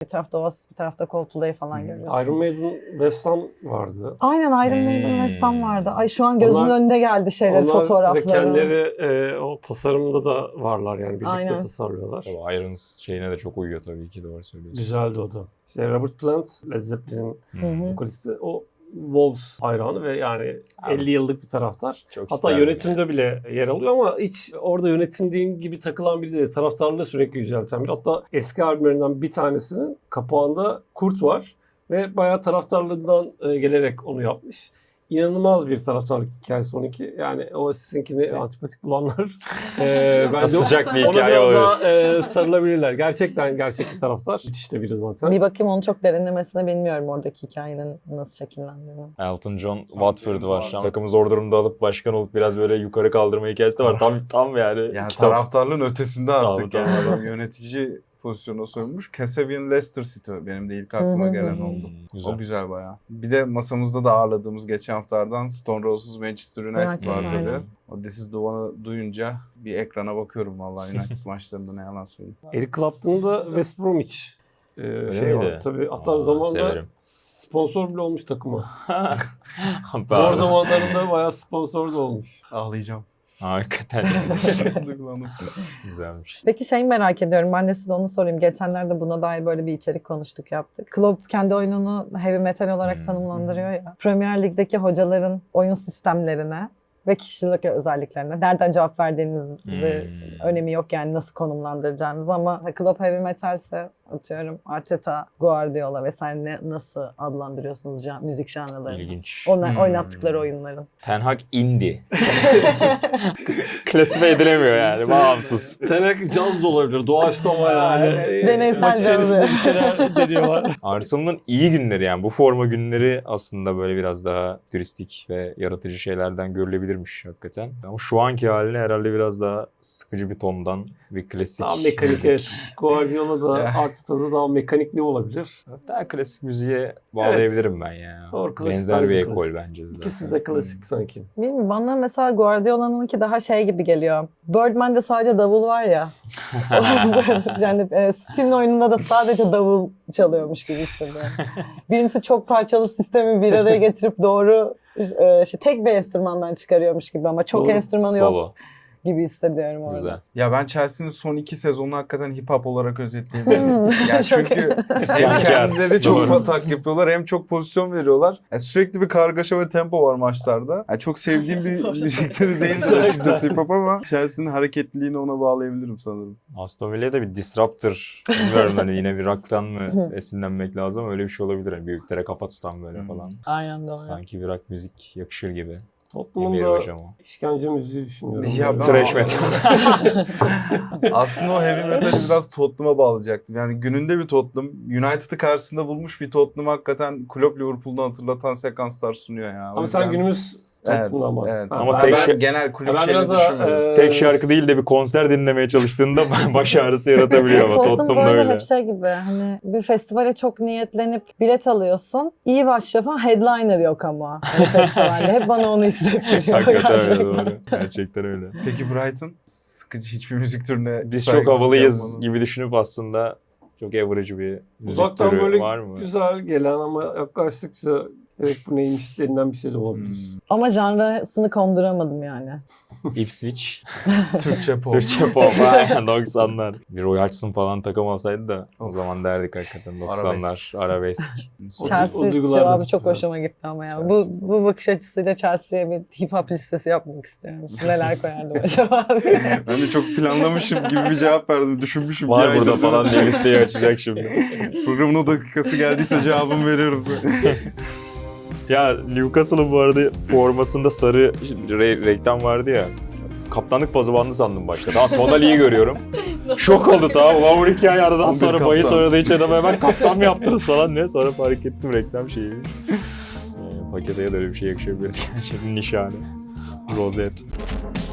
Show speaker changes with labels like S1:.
S1: tarafta Oasis, bir tarafta Coldplay falan görüyorsun.
S2: Iron Maiden, West Ham vardı.
S1: Aynen, Iron Maiden, West Ham vardı. Ay şu an gözümün
S2: Onlar-
S1: önünde geldi şeyler,
S2: Onlar
S1: fotoğrafları.
S2: ve kendileri o tasarımında da varlar yani birlikte
S1: Aynen.
S2: tasarlıyorlar.
S3: Tabii Irons şeyine de çok uyuyor tabii ki, doğru söylüyorsun.
S2: Güzeldi o da. İşte Robert Plant, Led Zeppelin'in
S1: Hı.
S2: vokalisti, o Wolves hayranı ve yani
S3: Abi,
S2: 50 yıllık bir taraftar.
S3: çok
S2: Hatta
S3: isterdim
S2: yönetimde bile yer alıyor ama hiç orada yönetimdeyim gibi takılan biri değil. Taraftarlığı sürekli yücelten biri. Hatta eski albümlerinden bir tanesinin kapağında kurt var ve bayağı taraftarlığından gelerek onu yapmış. İnanılmaz bir taraftarlık hikayesi onunki. Yani o sizinkini antipatik bulanlar bence
S3: Sıcak bir
S2: ona
S3: hikaye
S2: biraz
S3: oluyor.
S2: daha sarılabilirler. Gerçekten gerçek bir taraftar. Müthiş de biri zaten.
S1: Bir bakayım, onu çok derinlemesine bilmiyorum oradaki hikayenin nasıl şekillendiğini.
S3: Elton John Watford var. Takımı zor durumda alıp başkan olup biraz böyle yukarı kaldırma hikayesi de var. Tam yani.
S4: Yani
S3: kitap.
S4: taraftarlığın ötesinde artık
S3: Tamam,
S4: yani adam yönetici pozisyonuna soyunmuş. Casabian Leicester City benim de ilk aklıma gelen oldu.
S3: Güzel.
S4: O güzel bayağı. Bir de masamızda da ağırladığımız geçen haftalardan Stone Roses Manchester United var
S1: United,
S4: tabii.
S1: aynen.
S4: O This Is The One'ı duyunca bir ekrana bakıyorum vallahi United maçlarında, ne yalan söyleyeyim.
S2: Eric Clapton'ın da West Bromwich şey
S3: miydi?
S2: var. Tabii hatta
S3: Aa,
S2: zamanında
S3: severim.
S2: sponsor bile olmuş takıma. Zor
S3: Ben-
S2: zamanlarında bayağı sponsor da olmuş.
S4: Ağlayacağım.
S3: Hakikaten
S4: Duygulandım.
S3: güzelmiş.
S1: Peki şeyi merak ediyorum, ben de size onu sorayım. Geçenlerde buna dair böyle bir içerik konuştuk, yaptık. Klopp kendi oyununu heavy metal olarak tanımlandırıyor ya. Premier Lig'deki hocaların oyun sistemlerine ve kişilik özelliklerine nereden cevap verdiğinizde önemi yok yani, nasıl konumlandıracağınız, ama Klopp heavy metalse atıyorum Arteta, Guardiola vesaire nasıl adlandırıyorsunuz müzik janrlarını?
S3: İlginç.
S1: Onlar oynattıkları oyunların.
S3: Ten Hag indie. Klasife edilemiyor yani, bağımsız.
S2: Tenek caz da olabilir. Doğaçlama yani.
S1: Deneysel
S2: Maç içerisinde
S1: cazı.
S2: bir şeyler deniyorlar.
S3: Arsenal'ın iyi günleri, yani bu forma günleri aslında böyle biraz daha turistik ve yaratıcı şeylerden görülebilirmiş hakikaten. Ama şu anki haline herhalde biraz daha sıkıcı bir tondan bir klasik
S2: Daha mekanik,
S3: müzik.
S2: evet. Guardiola da Arteta'da daha mekanikli olabilir.
S3: Daha klasik müziğe bağlayabilirim ben ya.
S2: Doğru, klasik,
S3: Benzer
S2: bence
S3: bir
S2: klasik.
S3: ekol bence zaten.
S2: İkisi de klasik sanki.
S1: Bilmiyorum, bana mesela Guardiola'nınki daha şey gibi geliyor. Birdman'de sadece davul var ya. Yani City'nin oyununda da sadece davul çalıyormuş gibi hissediyorum. Birincisi çok parçalı sistemi bir araya getirip doğru tek bir enstrümandan çıkarıyormuş gibi, ama çok
S2: Doğru.
S1: enstrümanı yok
S3: Solo.
S1: gibi hissediyorum orada.
S3: Güzel.
S4: Ya ben Chelsea'nin son 2 sezonunu hakikaten hip hop olarak özetleyebilirim. Yani
S1: Çok
S4: çünkü hem
S3: İsyankar.
S4: kendileri çok
S3: Doğru.
S4: atak yapıyorlar hem çok pozisyon veriyorlar. Yani sürekli bir kargaşa ve tempo var maçlarda. Yani çok sevdiğim bir müzik türü değildir açıkçası hip hop, ama Chelsea'nin hareketliliğini ona bağlayabilirim sanırım.
S3: Aston Villa'ya da bir disruptor, bilmiyorum hani yine bir rock'tan mı esinlenmek lazım, öyle bir şey olabilir. Yani büyüklere kafa tutan böyle falan.
S1: Aynen, doğru.
S3: Sanki bir rock müzik yakışır gibi.
S2: Tottenham'ın
S3: Emir
S2: da
S3: hocam o.
S2: işkence müziği düşünüyorum.
S4: Ya ben-
S3: Thrash metal.
S4: Aslında o heavy metal'i biraz Tottenham'a bağlayacaktım. Yani gününde bir Tottenham, United'ı karşısında bulmuş bir Tottenham hakikaten Klopp Liverpool'dan hatırlatan sekanslar sunuyor ya. O
S2: Ama sen
S4: yüzden-
S2: günümüz
S4: Evet,
S2: Tottenham'dan
S4: evet.
S2: bahsediyorsun.
S3: Ama
S2: Ha,
S3: tek
S4: ben
S3: şey-
S4: genel kulüp
S2: ben
S4: şeyini
S2: biraz daha,
S4: düşünmüyorum.
S3: Tek şarkı değil de bir konser dinlemeye çalıştığında baş ağrısı yaratabiliyor ama
S1: Tottenham
S3: Tottenham'da
S1: böyle
S3: öyle.
S1: hep şey gibi, hani bir festivale çok niyetlenip bilet alıyorsun. İyi başlıyor falan, headliner yok ama hani festivalde. Hep bana onu hissettiriyor
S3: Hakikaten öyle,
S1: gerçekten.
S3: doğru. Gerçekten öyle.
S4: Peki Brighton? Sıkıcı hiçbir müzik türüne
S3: Biz çok
S4: saygısızlık
S3: havalıyız
S4: yapmanın-
S3: gibi düşünüp aslında çok average bir müzik
S2: Uzaktan
S3: türü
S2: böyle
S3: var mı?
S2: güzel gelen ama yaklaştıkça direkt bu neymiş denilen bir şey de olabilir.
S1: Ama janrasını konduramadım yani.
S3: Ipswich.
S4: Türkçe pop.
S3: Türkçe pop. Aynen 90'lar. Bir Roy Hodgson falan takım olsaydı da o
S4: Of.
S3: zaman derdik hakikaten 90'lar arabesk.
S2: O
S1: Chelsea
S2: duygular da
S1: cevabı çok
S2: güzel.
S1: hoşuma gitti ama ya.
S3: Chelsea.
S1: Bu bakış açısıyla Chelsea'ye bir hip hop listesi yapmak istiyorum. Neler koyardım acaba?
S4: Ben de çok planlamışım gibi bir cevap verdim. Düşünmüşüm. bir
S3: Var
S4: aydır
S3: burada
S4: değil mi?
S3: falan diye listeyi açacak şimdi.
S4: Programın o dakikası geldiyse cevabımı veriyorum.
S3: Ya Newcastle'ın bu arada formasında sarı reklam vardı ya. Kaptanlık pozu bandı sandım başta. Tamam Tonali'yi görüyorum. Şok oldu tamam. Ulan bu hikaye aradan
S4: 11
S3: sonra bahis
S4: kaptan.
S3: oynadığı için adama hemen kaptan mı yaptınız falan ne? Sonra fark ettim reklam şeyiymiş. Pakete de öyle bir şey yakışabilir. Gerçekten nişane. Rozet.